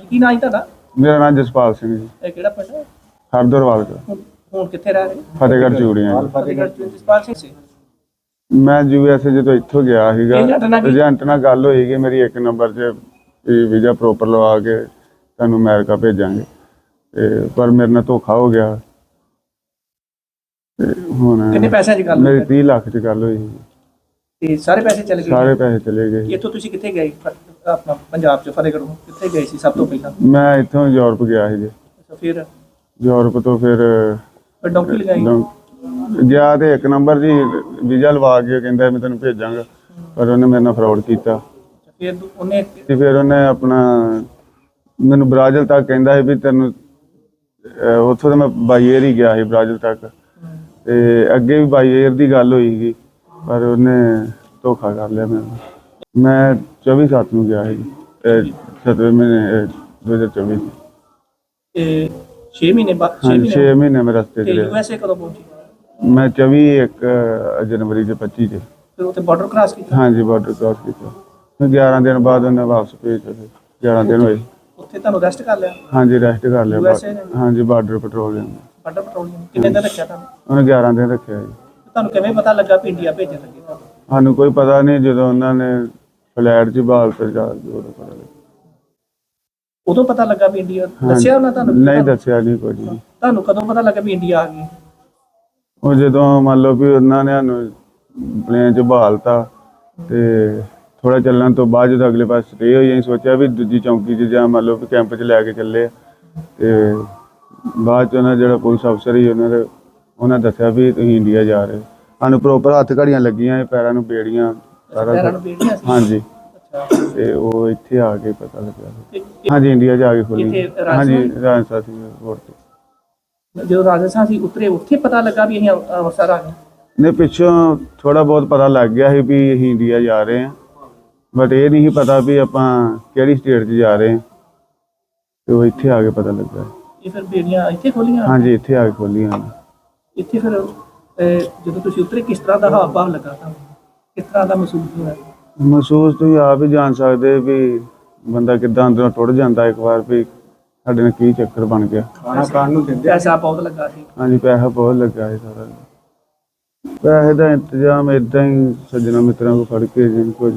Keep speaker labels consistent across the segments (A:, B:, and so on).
A: ਕੀ ਨਾਂ ਹੈ ਤੁਹਾਡਾ?
B: ਮੇਰਾ ਨਾਮ ਜਸਪਾਲ ਸਿੰਘ ਜੀ,
A: ਇਹ ਕਿਹੜਾ ਪਿੰਡ ਹੈ?
B: ਹਰਦਰਵਾਲ ਦਾ,
A: ਹੁਣ ਕਿੱਥੇ ਰਹਿ ਰਹੇ?
B: ਫਤਿਹਗੜ੍ਹ ਚੂੜੀਆਂ ਜੀ।
A: ਫਤਿਹਗੜ੍ਹ ਚ ਜਸਪਾਲ ਸਿੰਘ ਸੀ।
B: ਮੈਂ USA ਜਦੋਂ ਇੱਥੋਂ ਗਿਆ ਸੀਗਾ,
A: ਏਜੰਟ ਨਾਲ ਕੀ?
B: ਏਜੰਟ ਨਾਲ ਗੱਲ ਹੋਈ ਕਿ ਮੇਰੀ 1 ਨੰਬਰ 'ਚ ਵੀਜ਼ਾ ਪ੍ਰੋਪਰ ਲਵਾ ਕੇ ਤੁਹਾਨੂੰ ਅਮਰੀਕਾ ਭੇਜਾਂਗੇ, ਤੇ ਪਰ ਮੇਰੇ ਨਾਲ ਧੋਖਾ ਹੋ ਗਿਆ। ਤੇ ਹੁਣ
A: ਕਿੰਨੇ ਪੈਸਿਆਂ 'ਚ ਗੱਲ
B: ਮੇਰੀ
A: ਹੋਈ?
B: 30 ਲੱਖ 'ਚ ਗੱਲ ਹੋਈ ਸੀ।
A: ਤੇ ਸਾਰੇ ਪੈਸੇ ਚਲੇ ਗਏ?
B: ਸਾਰੇ ਪੈਸੇ ਚਲੇ ਗਏ।
A: ਇੱਥੋਂ ਤੁਸੀਂ ਕਿੱਥੇ ਗਏ? ਆਪਣਾ ਪੰਜਾਬ 'ਚ ਫਤਿਹਗੜ੍ਹ ਕਿੱਥੇ ਗਏ ਸੀ ਸਭ ਤੋਂ ਪਹਿਲਾਂ?
B: ਮੈਂ ਇੱਥੋਂ ਯੂਰਪ ਗਿਆ ਸੀ ਜੀ।
A: ਅੱਛਾ, ਫਿਰ
B: ਯੂਰਪ ਤੋਂ ਫਿਰ
A: ਡੌਂਕੀ ਲਗਾਈ?
B: ਗਿਆ ਤੇ 1 ਨੰਬਰ ਜੀ ਵੀਜ਼ਾ ਲਵਾ ਕੇ ਕਹਿੰਦਾ ਮੈਂ ਤੈਨੂੰ ਭੇਜਾਂਗਾ, ਪਰ ਉਹਨੇ ਮੇਰੇ ਨਾਲ ਫਰਾਡ ਕੀਤਾ।
A: ਫਿਰ ਉਹਨੇ
B: ਤੇ ਫਿਰ ਉਹਨੇ ਆਪਣਾ ਮੈਨੂੰ ਬ੍ਰਾਜ਼ਿਲ ਤੱਕ ਕਹਿੰਦਾ ਸੀ ਵੀ ਤੈਨੂੰ ਉੱਥੋਂ ਤਾਂ ਮੈਂ ਬਾਈ ਏਅਰ ਹੀ ਗਿਆ ਸੀ ਬ੍ਰਾਜ਼ਿਲ ਤੱਕ, ਤੇ ਅੱਗੇ ਵੀ ਬਾਈ ਏਅਰ ਦੀ ਗੱਲ ਹੋਈ ਸੀ, ਪਰ ਉਹਨੇ ਧੋਖਾ ਕਰ ਲਿਆ ਮੈਨੂੰ। ਮੈਂ 24/7 ਨੂੰ ਗਿਆ ਸੀ, 7ਵੇਂ ਮਹੀਨੇ 2024 ਚ।
A: ਤੇ 6 ਮਹੀਨੇ ਬਾਅਦ?
B: 6 ਮਹੀਨੇ ਮੈਂ ਰਸਤੇ
A: ਤੇ
B: ਤੇ ਰਿਹਾ।
A: USA ਕਦੋਂ ਪਹੁੰਚੇ?
B: ਮੈਂ 24 ਜਨਵਰੀ ਦੇ 25 ਚ।
A: ਫਿਰ ਉੱਥੇ ਬਾਰਡਰ ਕ੍ਰਾਸ ਕੀਤਾ?
B: ਹਾਂਜੀ, ਬਾਰਡਰ ਕ੍ਰਾਸ ਕੀਤਾ। ਫਿਰ 11 ਦਿਨ ਬਾਅਦ ਉਹਨੇ ਵਾਪਸ ਭੇਜਿਆ। 11 ਦਿਨ ਹੋਏ।
A: ਉੱਥੇ ਤੁਹਾਨੂੰ ਰੈਸਟ ਕਰ ਲਿਆ?
B: ਹਾਂਜੀ, ਰੈਸਟ ਕਰ ਲਿਆ।
A: USA ਨੇ?
B: ਹਾਂਜੀ, ਬਾਰਡਰ ਪੈਟਰੋਲਿੰਗ।
A: ਬਾਰਡਰ ਪੈਟਰੋਲਿੰਗ ਕਿੰਨੇ ਦਿਨ ਰੱਖਿਆ ਤੁਹਾਨੂੰ?
B: ਉਹਨੇ 11 ਦਿਨ ਰੱਖਿਆ ਜੀ।
A: ਤੁਹਾਨੂੰ ਕਿਵੇਂ ਪਤਾ ਲੱਗਾ ਵੀ ਇੰਡੀਆ ਭੇਜਣ ਲੱਗੇ ਤੁਹਾਨੂੰ?
B: ਸਾਨੂੰ ਕੋਈ ਪਤਾ ਨਹੀਂ, ਜਦੋਂ ਉਹਨਾਂ ਨੇ ਫਲੈਟ 'ਚ ਬਾਲ ਤੇ ਜਾ ਕੇ ਉਦੋਂ ਪਤਾ ਲੱਗਾ।
A: ਉਦੋਂ ਪਤਾ ਲੱਗਾ ਵੀ ਇੰਡੀਆ? ਦੱਸਿਆ ਉਹਨਾਂ ਤੁਹਾਨੂੰ?
B: ਨਹੀਂ ਦੱਸਿਆ ਨਹੀਂ ਕੁਝ ਵੀ।
A: ਤੁਹਾਨੂੰ ਕਦੋਂ ਪਤਾ ਲੱਗਾ ਵੀ ਇੰਡੀਆ ਆ ਗਈ?
B: ਉਹ ਜਦੋਂ ਮੰਨ ਲਓ ਵੀ ਉਹਨਾਂ ਨੇ ਸਾਨੂੰ ਪਲੇਨ 'ਚ ਬਹਾਲਤਾ, ਤੇ ਥੋੜਾ ਚੱਲਣ ਤੋਂ ਬਾਅਦ ਜਦੋਂ ਅਗਲੇ ਪਾਸੇ ਸਟੇ ਹੋਈ, ਅਸੀਂ ਸੋਚਿਆ ਵੀ ਦੂਜੀ ਚੌਂਕੀ 'ਚ ਜਾਂ ਮੰਨ ਲਓ ਵੀ ਕੈਂਪ 'ਚ ਲੈ ਕੇ ਚੱਲੇ। ਤੇ ਬਾਅਦ 'ਚ ਉਹਨਾਂ ਜਿਹੜਾ ਪੁਲਿਸ ਅਫਸਰ ਸੀ ਉਹਨਾਂ ਦੱਸਿਆ ਵੀ ਤੁਸੀਂ ਇੰਡੀਆ ਜਾ ਰਹੇ। ਸਾਨੂੰ ਪ੍ਰੋਪਰ ਹੱਥ ਘੜੀਆਂ ਲੱਗੀਆਂ, ਪੈਰਾਂ ਨੂੰ ਬੇੜੀਆਂ, ਸਾਰਾ
A: ਪੈਰਾਂ ਨੂੰ ਬੀੜੀਆਂ ਸੀ?
B: ਹਾਂਜੀ।
A: ਅੱਛਾ।
B: ਤੇ ਉਹ ਇੱਥੇ ਆ ਕੇ ਪਤਾ ਲੱਗਿਆ।
A: ਤੇ
B: ਹਾਂਜੀ, ਇੰਡੀਆ ਜਾ ਕੇ ਖੋਲੀ।
A: ਇੱਥੇ
B: ਹਾਂਜੀ, ਰਾਜਸਥਾਨ ਸੀ 에ਅਰਪੋਰਟ ਤੇ।
A: ਜਦੋਂ ਰਾਜਸਥਾਨ ਸੀ ਉਤਰੇ, ਉੱਥੇ ਪਤਾ ਲੱਗਾ ਵੀ ਅਸੀਂ ਅੰਮ੍ਰਿਤਸਰ ਆ ਗਏ?
B: ਨੇ ਪਿੱਛੋਂ ਥੋੜਾ ਬਹੁਤ ਪਤਾ ਲੱਗ ਗਿਆ ਸੀ ਵੀ ਅਸੀਂ ਇੰਡੀਆ ਜਾ ਰਹੇ ਹਾਂ, ਬਟ ਇਹ ਨਹੀਂ ਪਤਾ ਵੀ ਆਪਾਂ ਕਿਹੜੀ ਸਟੇਟ 'ਚ ਜਾ ਰਹੇ ਹਾਂ। ਤੇ ਉਹ ਇੱਥੇ ਆ ਕੇ ਪਤਾ ਲੱਗਾ।
A: ਇਹ ਫਿਰ ਬੇੜੀਆਂ ਇੱਥੇ ਖੋਲੀਆਂ?
B: ਹਾਂਜੀ, ਇੱਥੇ ਆ ਕੇ ਖੋਲੀਆਂ।
A: ਇੱਥੇ ਫਿਰ ਜਦੋਂ ਤੁਸੀਂ ਉਤਰੇ ਕਿਸ ਤਰ੍ਹਾਂ ਦਾ ਹਾਵ ਭਾਵ ਲੱਗਾ ਤੁਹਾਨੂੰ? ਕਿਸ ਤਰ੍ਹਾਂ ਦਾ ਮਹਿਸੂਸ ਹੋਇਆ?
B: ਮਹਿਸੂਸ ਤੁਸੀਂ ਆਪ ਹੀ ਜਾਣ ਸਕਦੇ ਵੀ ਬੰਦਾ ਕਿੱਦਾਂ ਅੰਦਰੋਂ ਟੁੱਟ ਜਾਂਦਾ ਇੱਕ ਵਾਰ ਵੀ ਸਾਡੇ ਨਾਲ ਕੀ ਚੱਕਰ ਬਣ ਗਿਆ।
A: ਖਾਣਾ ਖਾਣ ਨੂੰ ਦਿੰਦੇ? ਪੈਸਾ ਬਹੁਤ ਲੱਗਾ ਸੀ?
B: ਹਾਂਜੀ, ਪੈਸਾ ਬਹੁਤ ਲੱਗਾ ਸੀ ਸਾਰਾ। ਪੈਸੇ ਦਾ ਇੰਤਜ਼ਾਮ ਏਦਾਂ ਹੀ ਸੱਜਣਾ ਮਿੱਤਰਾਂ ਕੋਲ ਫੜ ਕੇ ਜਿੰਨ ਕੁਝ।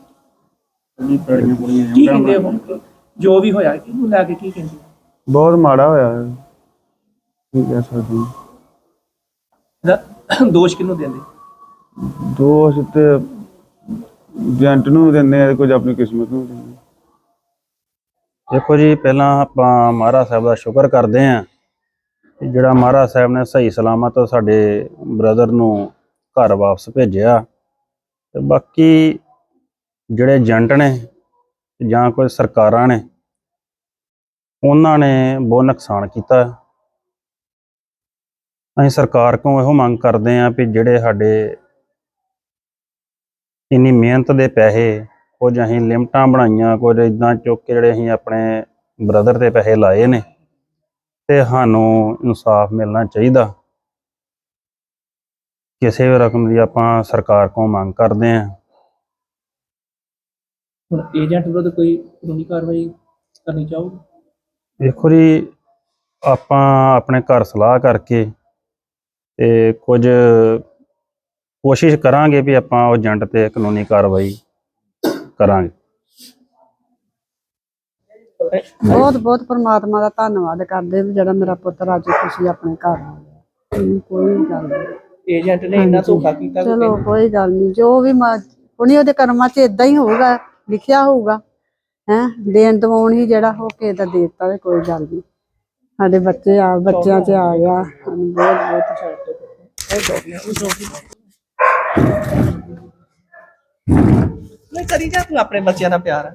A: ਕੀ ਕਹਿੰਦੇ ਹੁਣ ਜੋ ਵੀ ਹੋਇਆ ਕਿਹਨੂੰ ਲੈ ਕੇ ਕੀ ਕਹਿੰਦੇ?
B: ਬਹੁਤ ਮਾੜਾ ਹੋਇਆ ਹੈ, ਕੀ ਕਹਿ ਸਕਦੇ ਹਾਂ।
A: ਦੋਸ਼ ਕਿਹਨੂੰ ਦਿੰਦੇ?
B: ਦੋਸ਼ ਤੇ ਏਜੰਟ ਨੂੰ ਦਿੰਦੇ ਆ, ਕੁਝ ਆਪਣੀ ਕਿਸਮਤ ਨੂੰ ਦਿੰਦੇ।
C: ਦੇਖੋ ਜੀ, ਪਹਿਲਾਂ ਆਪਾਂ ਮਹਾਰਾਜ ਸਾਹਿਬ ਦਾ ਸ਼ੁਕਰ ਕਰਦੇ ਹਾਂ ਕਿ ਜਿਹੜਾ ਮਹਾਰਾਜ ਸਾਹਿਬ ਨੇ ਸਹੀ ਸਲਾਮਤ ਸਾਡੇ ਬ੍ਰਦਰ ਨੂੰ ਘਰ ਵਾਪਸ ਭੇਜਿਆ। ਤੇ ਬਾਕੀ ਜਿਹੜੇ ਏਜੰਟ ਨੇ ਜਾਂ ਕੋਈ ਸਰਕਾਰਾਂ ਨੇ, ਉਹਨਾਂ ਨੇ ਬਹੁਤ ਨੁਕਸਾਨ ਕੀਤਾ। ਅਸੀਂ ਸਰਕਾਰ ਕੋਲੋਂ ਇਹੋ ਮੰਗ ਕਰਦੇ ਹਾਂ ਵੀ ਜਿਹੜੇ ਸਾਡੇ ਇੰਨੀ ਮਿਹਨਤ ਦੇ ਪੈਸੇ, ਕੁਝ ਅਸੀਂ ਲਿਮਟਾਂ ਬਣਾਈਆਂ, ਕੁਝ ਇੱਦਾਂ ਚੁੱਕ ਕੇ ਜਿਹੜੇ ਅਸੀਂ ਆਪਣੇ ਬ੍ਰਦਰ ਦੇ ਪੈਸੇ ਲਾਏ ਨੇ, ਤੇ ਸਾਨੂੰ ਇਨਸਾਫ ਮਿਲਣਾ ਚਾਹੀਦਾ। ਕਿਸੇ ਵੀ ਰਕਮ ਦੀ ਆਪਾਂ ਸਰਕਾਰ ਕੋਲੋਂ ਮੰਗ ਕਰਦੇ ਹਾਂ।
A: ਹੁਣ ਏਜੰਟ ਵਿਰੁੱਧ ਕੋਈ ਕਾਨੂੰਨੀ ਕਾਰਵਾਈ ਕਰਨੀ ਚਾਹੋਗੇ?
C: ਦੇਖੋ ਜੀ, ਆਪਾਂ ਆਪਣੇ ਘਰ ਸਲਾਹ ਕਰਕੇ ਤੇ ਕੁਝ ਕੋਸ਼ਿਸ਼ ਕਰਾਂਗੇ ਵੀ ਆਪਾਂ ਉਹ ਏਜੰਟ ਤੇ ਕਾਨੂੰਨੀ ਕਾਰਵਾਈ ਕਰਾਂਗੇ।
D: ਬਹੁਤ ਬਹੁਤ ਪਰਮਾਤਮਾ ਦਾ ਧੰਨਵਾਦ ਕਰਦੇ ਵੀ ਜਿਹੜਾ ਮੇਰਾ ਪੁੱਤਰ ਅੱਜ ਤੁਸੀਂ ਆਪਣੇ ਘਰ ਆ ਗਿਆ। ਕੋਈ ਗੱਲ ਨਹੀਂ,
A: ਏਜੰਟ ਨੇ ਇੰਨਾ ਧੋਖਾ ਕੀਤਾ?
D: ਚਲੋ ਕੋਈ ਗੱਲ ਨਹੀਂ, ਜੋ ਵੀ ਉਹਨੇ ਉਹਦੇ ਕਰਮਾਂ 'ਚ ਇਦਾਂ ਹੀ ਹੋਊਗਾ, ਲਿਖਿਆ ਹੋਊਗਾ। ਦੇਣ ਦਵਾਉਣ ਹੀ ਜਿਹੜਾ ਹੋ ਕੇ ਤਾਂ ਦੇ ਦਿੱਤਾ, ਤੇ ਕੋਈ ਗੱਲ ਨਹੀਂ। ਸਾਡੇ ਬੱਚਿਆਂ 'ਚ ਆ ਗਿਆ, ਸਾਨੂੰ ਬਹੁਤ ਬਹੁਤ
A: ਨਹੀਂ ਕਰੀ ਜਾ ਤੂੰ ਆਪਣੇ ਬੱਚਿਆਂ ਦਾ ਪਿਆਰ।